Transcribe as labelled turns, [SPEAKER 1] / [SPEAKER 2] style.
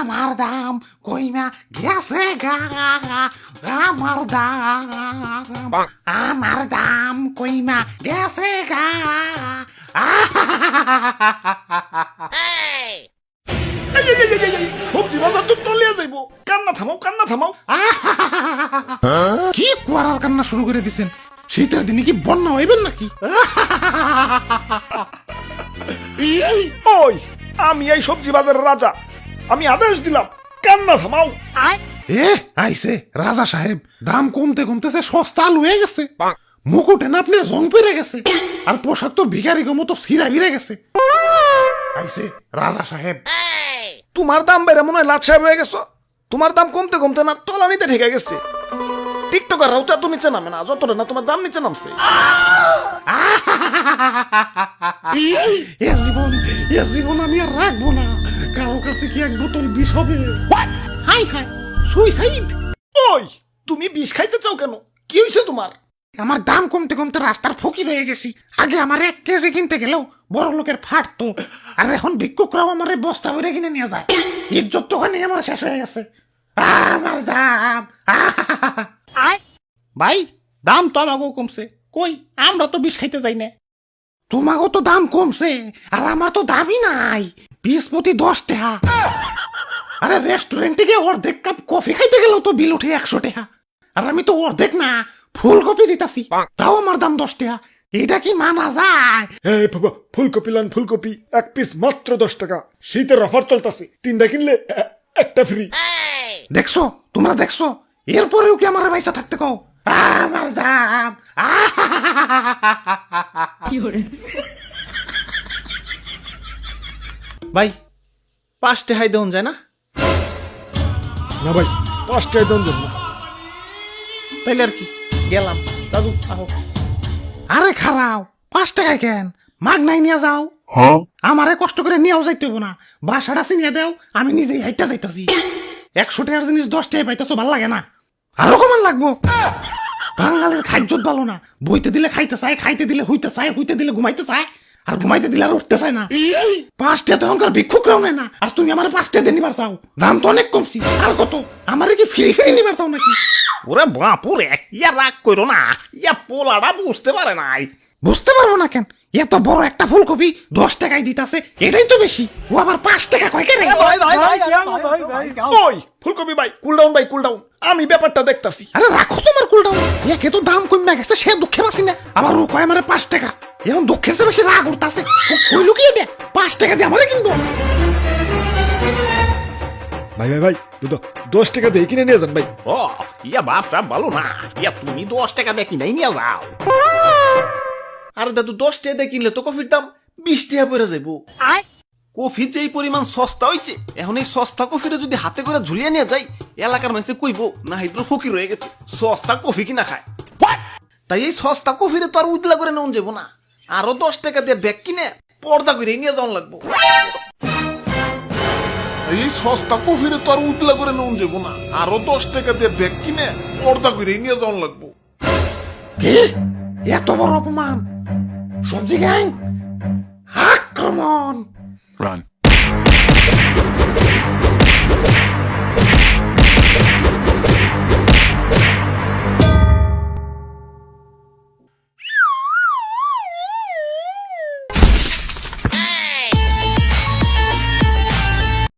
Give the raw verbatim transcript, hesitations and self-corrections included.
[SPEAKER 1] আমার দাম কইমা গেছে গা আমার দাম আমার দাম কইমা গেছে গা
[SPEAKER 2] সবজি বাজার তো তলিয়া যাইব কান্না থামাও কান্না থামাও
[SPEAKER 1] কি কুয়ারার কান্না শুরু করে দিছেন শীতের দিনে কি বন্যা হইবেন নাকি
[SPEAKER 2] ওই আমি এই সবজি বাজারের রাজা আমি আদেশ দিলাম কান্না থামাও
[SPEAKER 1] এ আইছে রাজা সাহেব দাম কমতে কমতেছে সস্তা আলু হয়ে গেছে মুকুটে না আপনার জং পেরে গেছে আর পোশাক তো ভিখারি মতো সিরা বিরে গেছে আইছে রাজা সাহেব
[SPEAKER 2] তোমার দাম বেড়ে মনে হয় লাট সাহেব হয়ে গেছো তোমার দাম কমতে কমতে না তলানিতে ঠেকে গেছে টিকটকার রাউটা তো নিচে নামে না যতটা না তোমার দাম নিচে নামছে
[SPEAKER 1] এ জীবন এ জীবন আমি আর রাখবো না কারো কাছে কি এক বোতল বিষ হবে হাই হাই সুইসাইড
[SPEAKER 2] ওই তুমি বিষ খাইতে চাও কেন কি হয়েছে তোমার
[SPEAKER 1] আমার দাম কমতে কমতে রাস্তার ফকির হয়ে গেছি আগে আমার এক কেজি কিনতে গেলেও বড় লোকের ফাটতো আর এখন ভিক্ষুকরাও আমার বস্তা ভরে কিনে নিয়ে যায় ইজ্জত তো ওখানে আমার শেষ হয়ে গেছে আমার দাম ভাই দাম তো আমাকেও কমছে কই আমরা তো বিষ খাইতে যাই না তোমাকেও তো দাম কমছে আর আমার তো দামই নাই বিশ প্রতি দশ টাকা আরে রেস্টুরেন্টে গিয়ে অর্ধেক কাপ কফি খাইতে গেলেও তো বিল উঠে একশো টাকা আর আমি তো অর্ধেক না ফুলকপি দিতাছি তাও আমার দাম দশ টাকা এটা কি মানা যায়
[SPEAKER 2] এই বাবা ফুলকপি লান ফুলকপি এক পিস মাত্র দশ টাকা শীতের অফার চলতেছে তিনটা কিনলে এ- একটা ফ্রি
[SPEAKER 1] দেখছো তোমরা দেখছো এরপরেও কি আমার পয়সা থাকতে কও আমার দাম
[SPEAKER 3] ভাই পাঁচটে হাই দেওয়া যায় না
[SPEAKER 2] না ভাই পাঁচটায় দাম জন্য
[SPEAKER 3] তাইলে আর কি গেলাম দাদু আহো
[SPEAKER 1] আরে খারাও পাঁচ টাকায় কেন মাগ নাই নিয়ে যাও আমারে কষ্ট করে নিয়েও যাইতে হবো না বাসাটা চিনিয়ে দেও আমি নিজেই হাইটা যাইতাছি একশো টাকার জিনিস দশ টাকায় পাইতেছো ভাল লাগে না আরো কমান লাগবো বাঙালির খাদ্যত ভালো না বইতে দিলে খাইতে চায় খাইতে দিলে হইতে চায় হইতে দিলে ঘুমাইতে চায় আর ঘুমাইতে দিলে আর উঠতে চায় না পাঁচটা তো এখনকার ভিক্ষুকরাও নেয় না আর তুমি আমার পাঁচটা দিয়ে নিবার চাও দাম তো অনেক কমছি আর কত আমারে কি ফ্রি ফ্রি নিবার চাও নাকি
[SPEAKER 3] ওরে বাপুরে ইয়া রাগ করো না ইয়া পোলাটা বুঝতে পারে নাই
[SPEAKER 1] বুঝতে পারবো না কেন এত বড় একটা ফুলকপি দশ টাকায় দিতাছে এটাই তো বেশি ও আবার পাঁচ টাকা কয় কেন
[SPEAKER 2] ওই ফুলকপি ভাই কুল ডাউন ভাই কুল ডাউন আমি ব্যাপারটা দেখতাছি
[SPEAKER 1] আরে রাখো তোমার কুলটাও একে তো দাম কমে গেছে সে দুঃখে বাসি না আবার ও কয় আমারে পাঁচ টাকা এখন দুঃখের চেয়ে বেশি রাগ উঠতাছে কইলো কি দে পাঁচ টাকা দিয়ে আমারে কিনবো
[SPEAKER 2] ভাই ভাই ভাই দুটো দশ টাকা দিয়ে কিনে নিয়ে যান ভাই
[SPEAKER 3] ও ইয়া বাপটা ভালো না ইয়া তুমি দশ টাকা দেখি নাই নিয়ে যাও আরে দাদু দশ টাকা দিয়ে কিনলে তো কফির দাম বিশ টাকা পড়ে যাইবো কফি যে এই পরিমাণ সস্তা হইছে এখন এই সস্তা কফিরে যদি হাতে করে ঝুলিয়ে নিয়ে যাই এলাকার মানুষে কইবো না হিদ্র ফকির হয়ে গেছে সস্তা কফি কিনা খায় তাই এই সস্তা কফিরে তো আর উজলা করে নেওয়া যাবো না আরো দশ টাকা দিয়ে ব্যাগ কিনে পর্দা করে নিয়ে যাওয়া লাগবো
[SPEAKER 4] এই সস্তা কফিরে তো আর উতলা করে নুন যাবো না আরো দশ টাকা দিয়ে ব্যাগ কিনে পর্দা করে নিয়ে যাওয়ান লাগবো
[SPEAKER 1] কি এত বড় অপমান সবজি গ্যাং আক্রমণ
[SPEAKER 5] Run.